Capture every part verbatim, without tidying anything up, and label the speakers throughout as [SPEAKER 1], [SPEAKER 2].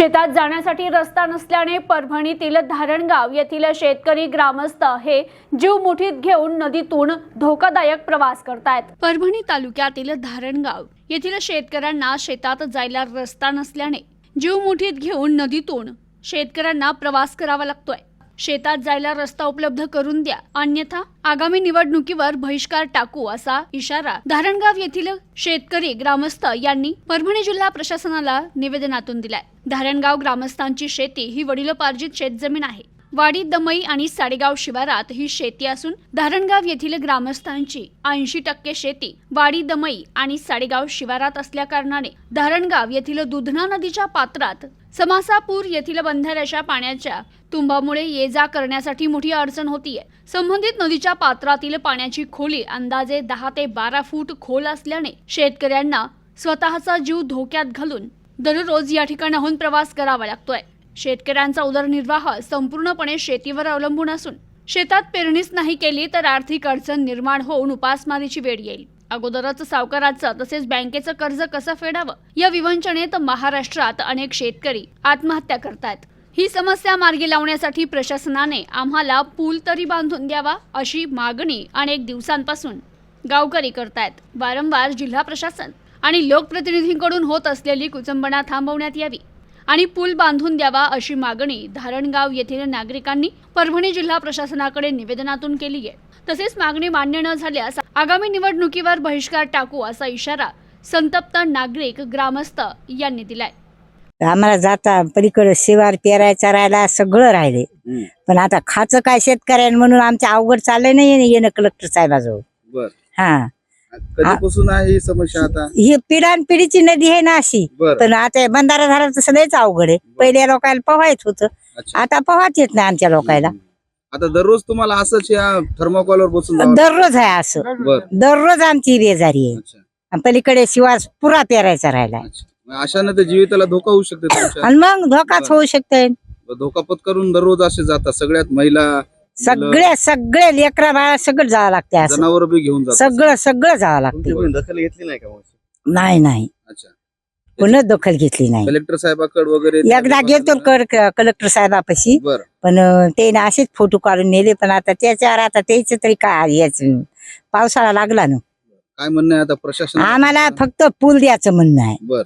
[SPEAKER 1] शेतात जाण्यासाठी रस्ता नसल्याने परभणीतील धारणगाव येथील शेतकरी ग्रामस्थ हे जीव मुठीत घेऊन नदीतून धोकादायक प्रवास करतायत। परभणी तालुक्यातील धारणगाव येथील शेतकऱ्यांना शेतात जायला रस्ता नसल्याने जीव मुठीत घेऊन नदीतून शेतकऱ्यांना प्रवास करावा लागतोय। शेतात जायला रस्ता उपलब्ध करून द्या, अन्यथा आगामी निवडणुकीवर बहिष्कार टाकू असा इशारा धारणगाव येथील शेतकरी ग्रामस्थ यांनी परभणी जिल्हा प्रशासनाला निवेदनातून दिलाय। धारणगाव ग्रामस्थांची शेती ही वडिलोपार्जित शेतजमीन आहे। वाडी दमई आणि साडेगाव शिवारात ही शेती असून धारणगाव येथील ग्रामस्थांची ऐंशी टक्के शेती वाडी दमई आणि साडेगाव शिवारात असल्या कारणाने धारणगाव येथील दुधना नदीच्या पात्रात समासापूर येथील बंधाऱ्याच्या पाण्याच्या तुंबामुळे ये जा करण्यासाठी मोठी अडचण होतीये। संबंधित नदीच्या पात्रातील पाण्याची खोली अंदाजे दहा ते बारा फूट खोल असल्याने शेतकऱ्यांना स्वतःचा जीव धोक्यात घालून दररोज या ठिकाणाहून प्रवास करावा लागतोय। शेतकऱ्यांचा उदरनिर्वाह संपूर्णपणे शेतीवर अवलंबून असून शेतात पेरणीच नाही केली तर आर्थिक अडचण निर्माण होऊन उपासमारीची वेळ येईल। अगोदरच सावकाराचं तसेच बँकेचं कर्ज कसं फेडावं या विवंचनेत महाराष्ट्रात अनेक शेतकरी आत्महत्या करतात। ही समस्या मार्गी लावण्यासाठी प्रशासनाने आम्हाला पूल तरी बांधून द्यावा अशी मागणी अनेक दिवसांपासून गावकरी करतायत। वारंवार जिल्हा प्रशासन आणि लोकप्रतिनिधींकडून होत असलेली कुचंबणा थांबवण्यात यावी आणि पूल बांधून द्यावा अशी मागणी धारणगाव येथील नागरिकांनी परभणी जिल्हा प्रशासनाकडे निवेदनातून केली आहे। तसेच मागणी मान्य न झाल्यास आगामी निवडणुकीवर बहिष्कार टाकू असा इशारा संतप्त नागरिक ग्रामस्थ यांनी दिलाय।
[SPEAKER 2] आम्हाला जाता पलीकडे शिवार पेरायचा राहिला सगळं राहिले, पण आता खाचं काय शेतकऱ्यांना म्हणून आमच्या अवघड चाललंय नाही येणं कलेक्टर साहेबाजवळ।
[SPEAKER 3] बर
[SPEAKER 2] हा
[SPEAKER 3] कधीपासून आहे ही समस्या? आता
[SPEAKER 2] ही पिढ्यान पिढीची नदी आहे ना अशी, पण आता बंधारा झाला तर सदैच अवघड आहे। पहिल्या लोकांना पोहायच होतं, आता पोहाच येत नाही आमच्या लोकांना।
[SPEAKER 3] आता दररोज तुम्हाला असंच या थर्मोकॉलवर बसून
[SPEAKER 2] दररोज आहे असं, दररोज आमची बेजारी आहे। पलीकडे शिवार पुरा पेरायचा राहिला,
[SPEAKER 3] अशाने ते जीविताला धोका होऊ शकते
[SPEAKER 2] आणि मग धोकाच होऊ शकते।
[SPEAKER 3] धोका पत्करून दररोज असे जातात सगळ्यात महिला
[SPEAKER 2] सगळे सगळे लेकरा बाळा सगळं जावं लागते,
[SPEAKER 3] जनावर बी घेऊन जातात,
[SPEAKER 2] सगळं सगळं जावं लागते।
[SPEAKER 3] दखल घेतली नाही का?
[SPEAKER 2] नाही नाही,
[SPEAKER 3] अच्छा,
[SPEAKER 2] पुन्हा दखल घेतली नाही।
[SPEAKER 3] कलेक्टर साहेबाकडे वगैरे
[SPEAKER 2] एकदा गेलतो कलेक्टर साहेबापाशी, पण ते ना असेच फोटो काढून नेले, पण आता त्याच्यावर आता त्याच तरी काय याच पावसाळा लागला ना।
[SPEAKER 3] काय म्हणणं आहे आता प्रशासन?
[SPEAKER 2] आम्हाला फक्त पूल द्यायचं म्हणणं आहे।
[SPEAKER 3] बर,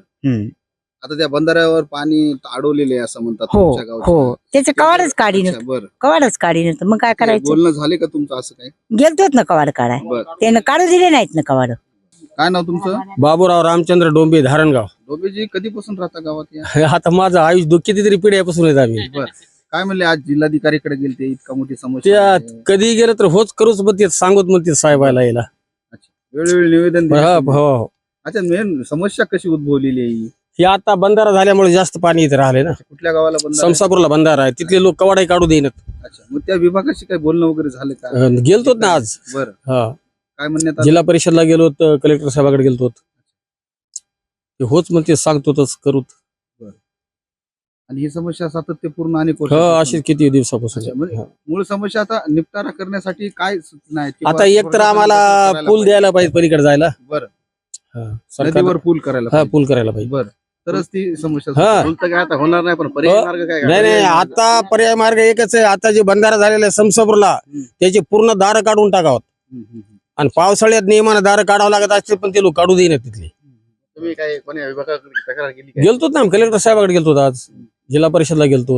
[SPEAKER 3] आता त्या बंधाऱ्यावर पाणी अडवलेले असं म्हणतात
[SPEAKER 2] हो
[SPEAKER 3] तुमच्या गावचे?
[SPEAKER 2] हो, त्याचं कवाडच काढीन,
[SPEAKER 3] बर,
[SPEAKER 2] कवाडच काढीन, मग काय करायचं?
[SPEAKER 3] बोलणं झाले का तुमचं असं काय?
[SPEAKER 2] गेलतोच ना कवाड काढाय, त्यानं काढू दिले नाहीत ना कवाड।
[SPEAKER 3] काय नाव तुमचं?
[SPEAKER 4] बाबूराव रामचंद्र डोंबे, धारणगाव।
[SPEAKER 3] डोंबेजी कधीपासून राहता गावात या?
[SPEAKER 4] आता माझं आयुष कितीतरी पिढ्यापासून येत आम्ही।
[SPEAKER 3] बर, काय म्हणले आज जिल्हाधिकारीकडे गेलते, इतका मोठी समस्या
[SPEAKER 4] त्या
[SPEAKER 3] आहे?
[SPEAKER 4] कधी गेलं तर होच करूच म्हणते, सांगत म्हणते साहेबाला यायला।
[SPEAKER 3] वेळोवेळी निवेदन दिले
[SPEAKER 4] हो
[SPEAKER 3] तुम्ही?
[SPEAKER 4] हो।
[SPEAKER 3] अच्छा, मेन समस्या कशी उद्भवलेली आहे?
[SPEAKER 4] ही आता बंधारा झाल्यामुळे जास्त पाणी इथे राहिले ना।
[SPEAKER 3] कुठल्या गावाला बंधारा आहे?
[SPEAKER 4] समसापूरला बंधारा आहे, तिथले लोक कवाडाही काढू देईनात।
[SPEAKER 3] अच्छा, मग त्या विभागाशी काही बोलणं वगैरे झालं का?
[SPEAKER 4] गेलतोत ना आज।
[SPEAKER 3] बर,
[SPEAKER 4] हा,
[SPEAKER 3] काय म्हणण्यात आलं?
[SPEAKER 4] जिल्हा परिषदला गेलो, कलेक्टर साहेबाकडे गेलतो, होच म्हणते सांगतोच करूत।
[SPEAKER 3] आणि ही समस्या सातत्यपूर्ण आणि
[SPEAKER 4] हो अशीच किती दिवसापासून।
[SPEAKER 3] अच्छा, म्हणजे मूळ समस्या आता निपटारा करण्यासाठी काय सूचना आहेत? किंवा
[SPEAKER 4] आता एक तर आम्हाला
[SPEAKER 3] करायला
[SPEAKER 4] पूल द्यायला पाहिजे पलीकडे जायला।
[SPEAKER 3] बरं,
[SPEAKER 4] हा,
[SPEAKER 3] नदीवर
[SPEAKER 4] सरकार
[SPEAKER 3] पूल करायला
[SPEAKER 4] हा
[SPEAKER 3] पाहिजे.
[SPEAKER 4] पूल करायला पाहिजे।
[SPEAKER 3] बरं, तरच ती समस्या
[SPEAKER 4] हा.
[SPEAKER 3] सुटेल. पूल तर काय आता होणार नाही, पण पर्यायी मार्ग काय?
[SPEAKER 4] नाही नाही, आता पर्याय मार्ग एकच आहे। आता जे बंधारा झालेला आहे समसापूरला, त्याचे पूर्ण दार काढून टाकावं,
[SPEAKER 3] हम्म, हम्म, हम्म.
[SPEAKER 4] आणि पावसाळ्यात नियमानं दार काढावं लागत असते, पण ते लोक काढू देईनात तिथले।
[SPEAKER 3] तुम्ही काय कोणी विभागाकडे तक्रार केली का?
[SPEAKER 4] गेलतो ना कलेक्टर साहेबाकडे गेलतो, आज जिल्हा परिषदला गेलतो।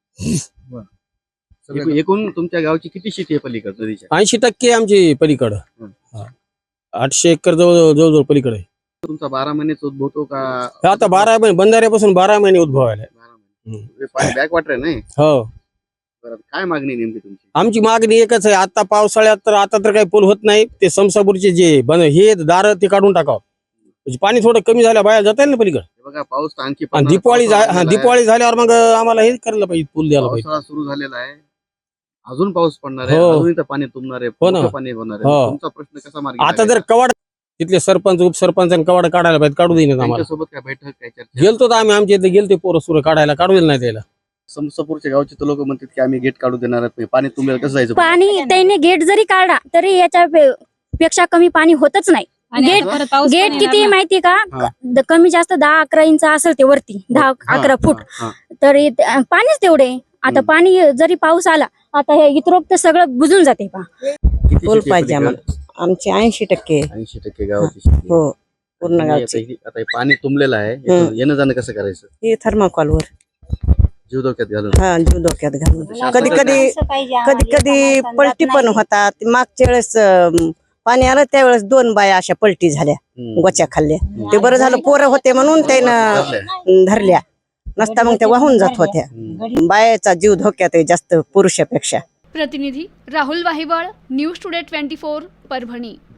[SPEAKER 3] एकूण- एकूण तुमच्या गावची किती शेती आहे पलीकडे नदीच्या?
[SPEAKER 4] ऐंशी टक्के आमची पलीकडं,
[SPEAKER 3] हम्म.
[SPEAKER 4] आठशे एकर जवळ जवळजवळ पलीकडे।
[SPEAKER 3] तुमचा बारा महिनेच उद्भवतो का?
[SPEAKER 4] आता बारा महिने बंधाऱ्यापासून बारा महिने उद्भव आले।
[SPEAKER 3] बॅक वॉटर आहे नाही?
[SPEAKER 4] हो,
[SPEAKER 3] बरं, काय मागणी आहे नेमकी तुमची?
[SPEAKER 4] आमची मागणी एकच आहे, आता पावसाळ्यात तर आता तर काही पूल होत नाही, ते समसापूरचे जे बंद हे दार ते काढून टाकावं, म्हणजे पाणी थोडं कमी झालं बाहेर जाता येईल ना पलीकडे।
[SPEAKER 3] बघा, पाऊस तर आणखी
[SPEAKER 4] आणि
[SPEAKER 3] पडणार,
[SPEAKER 4] दिवाळी
[SPEAKER 3] पावसाळा
[SPEAKER 4] हा
[SPEAKER 3] झालेला आहे.
[SPEAKER 4] दिवाळी झाल्यावर मग आम्हाला हे करायला पाहिजे, पूल द्यायला पाहिजे।
[SPEAKER 3] पावसाळा सुरू झालेला आहे, अजून पाऊस पडणार आहे,
[SPEAKER 4] हो.
[SPEAKER 3] अजून इथं पाणी तुंबणार आहे,
[SPEAKER 4] हो ना.
[SPEAKER 3] मोठं पाणी होणार आहे.
[SPEAKER 4] हो.
[SPEAKER 3] तुमचा प्रश्न कसा मार्गी
[SPEAKER 4] आता जर
[SPEAKER 3] लागायचा?
[SPEAKER 4] कवाड तिथले सरपंच उपसरपंच कवाड काढायला पाहिजे, काढू देईन आम्हाला।
[SPEAKER 3] त्यांच्यासोबत काय बैठक काय चर्चा?
[SPEAKER 4] गेलतो तर आम्ही, आमच्या इथे गेलते पोरं सुरं काढायला, काढू दिलं नाही त्याला।
[SPEAKER 3] समसापूरच्या गावचे तर लोक म्हणतात की आम्ही गेट काढू देणार नाही, पाणी तुंबेल, कसं जायचं?
[SPEAKER 5] पाणी त्याने गेट जरी काढला तरी याच्या पे- पेक्षा कमी पाणी होतच नाही। गेट गेट किती माहिती का
[SPEAKER 3] हा.
[SPEAKER 5] क- कमी जास्त दहा अकरा इंच असेल ते वरती दहा अकरा फूट
[SPEAKER 3] हा,
[SPEAKER 5] तर इत- अं, पाणीच तेवढे आता
[SPEAKER 3] हम्म.
[SPEAKER 5] पाणी जरी पाऊस आला आता हे इतरोक तर सगळं बुजून जाते पा
[SPEAKER 3] किती
[SPEAKER 6] पूल
[SPEAKER 3] शेती आहे
[SPEAKER 6] पाहिजे
[SPEAKER 3] पलीकडे?
[SPEAKER 6] आम्हाला आमचे ऐंशी टक्के
[SPEAKER 3] ऐंशी टक्के गावाची शेती आहे.
[SPEAKER 6] हो पूर्ण
[SPEAKER 3] तुम्ही आता
[SPEAKER 6] गावची
[SPEAKER 3] हे- आता हे पाणी तुंबलेलं आहे यातून येणं जाणं कसं करायचं
[SPEAKER 6] हे थर्माकॉलवर
[SPEAKER 3] जीव धोक्यात घालून
[SPEAKER 6] हा जीव धोक्यात घालून
[SPEAKER 3] शासनाचं
[SPEAKER 6] कधी कधी कधी कधी पलटी पण होतात मागच्या वेळेस अं, पाणी आलं त्यावेळेस दोन बाया अशा पलटी झाल्या
[SPEAKER 3] हम्म.
[SPEAKER 6] गोच्या खाल्ल्या ते बरं झालं पोरं होते म्हणून त्यानं
[SPEAKER 3] धरल्या.
[SPEAKER 6] धरल्या नसता मग त्या वाहून जात होत्या
[SPEAKER 3] हम्म.
[SPEAKER 6] बायाचा जीव धोक्यात आहे जास्त पुरुषापेक्षा
[SPEAKER 1] प्रतिनिधी Rahul Wahiwal, news today twenty four, Parbhani.